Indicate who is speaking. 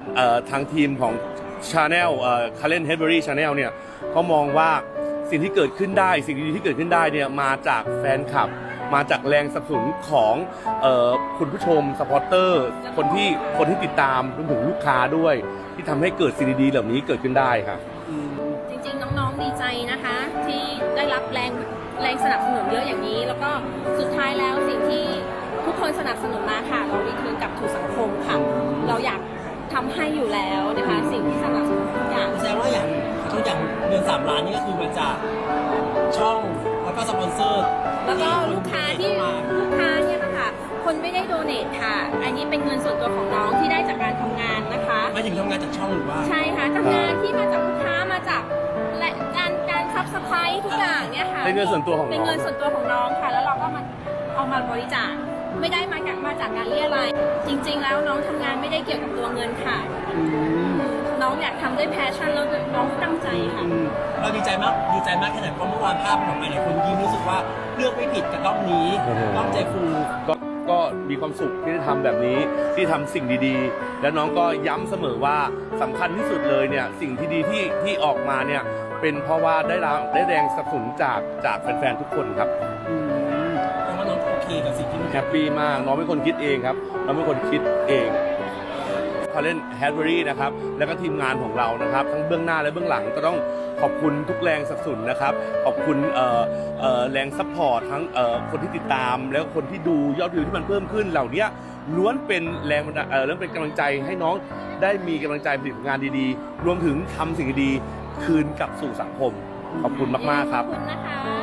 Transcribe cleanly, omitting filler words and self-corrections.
Speaker 1: ทางทีมของ Channel Karen Hedberry Channel เนี่ยเขามองว่าสิ่งที่เกิดขึ้นได้สิ่งดีๆที่เกิดขึ้นได้เนี่ยมาจากแฟนคลับมาจากแรงสนับสนุนของคุณผู้ชมซัพพอร์เตอร์คนที่ติดตามรวมถึงลูกค้าด้วยที่ทำให้เกิดสิ่งดีๆเหล่านี้เกิดขึ้นได้ครับ
Speaker 2: จริงๆน้องๆดีใจนะคะที่ได้รับแรงสนับสนุนเยอะอย่างนี้แล้วก็สุดท้ายแล้วสิ่งที่ทุกคนสนับสนุนมาค่ะเรารีเทิร์นกลับถูกสังคมค่ะเราอยากทำให้อยู่แล้วนะคะสิ่งที่สนับสนุนทุกอย่าง
Speaker 3: แสดงว่าอย่างเงิน3 ล้านนี่ก็คือมาจากช่องแล้วก็สปอนเซอร์
Speaker 2: แล้วก็ลูกค้าเนี่ยนะคะคนไม่ได้โดเนทค่ะอันนี้เป็นเงินส่วนตัวของน้องที่ได้จากการทำงานนะคะ
Speaker 3: ไม่ถึงทำงานจากช่องหรือว่า
Speaker 2: ใช่ค่ะทำงานที่มาจากลูกค้ามาจากและการซับสไครต์ทุกอย่างเนี่ยค่ะ
Speaker 1: เป็นเงินส่วนตัวของน้อง
Speaker 2: เป็นเงินส่วนตัวของน้องค่ะแล้วเราก็เอามาบริจาคไม่ได้มาจากการเรียรายจริงๆแล้วน้องทำงานไม่ได้เกี่ยวกับตัวเงินค่ะน้องอยากทำด้วยแพชชั่นแล้วน้องตั้งใจค่ะ
Speaker 3: เราดีใจมากแค่ไหนเพราะเมื่อวานภาพออกมาหลายคนยิ้มรู้สึกว่าเลือกไม่ผิดกับด้อมนี้ด้อมใจฟู
Speaker 1: ก็มีความสุขที่ได้ทำแบบนี้ที่ทำสิ่งดีๆแล้วน้องก็ย้ำเสมอว่าสำคัญที่สุดเลยเนี่ยสิ่งที่ดีที่ออกมาเนี่ยเป็นเพราะว่าได้แรงสนับสนุนจากแฟนๆทุกคนครับ
Speaker 3: แต่ว่าน้องโอเคกับสิ่งที่
Speaker 1: แฮปปี้มากน้องเป็นคนคิดเองครับน้องเป็นคนคิดเองKaren Hedberry นะครับแล้วก็ทีมงานของเรานะครับทั้งเบื้องหน้าและเบื้องหลังก็ต้องขอบคุณทุกแรงสนับสนุนนะครับขอบคุณแรงซัพพอร์ตทั้งคนที่ติดตามแล้วคนที่ดูยอดวิวที่มันเพิ่มขึ้นเหล่านี้ล้วนเป็นแรงเป็นกำลังใจให้น้องได้มีกำลังใจผลิตงานดีๆรวมถึงทำสิ่งดีๆคืนกลับสู่สังคมขอบคุณมากๆครับ
Speaker 2: ขอบคุณนะคะ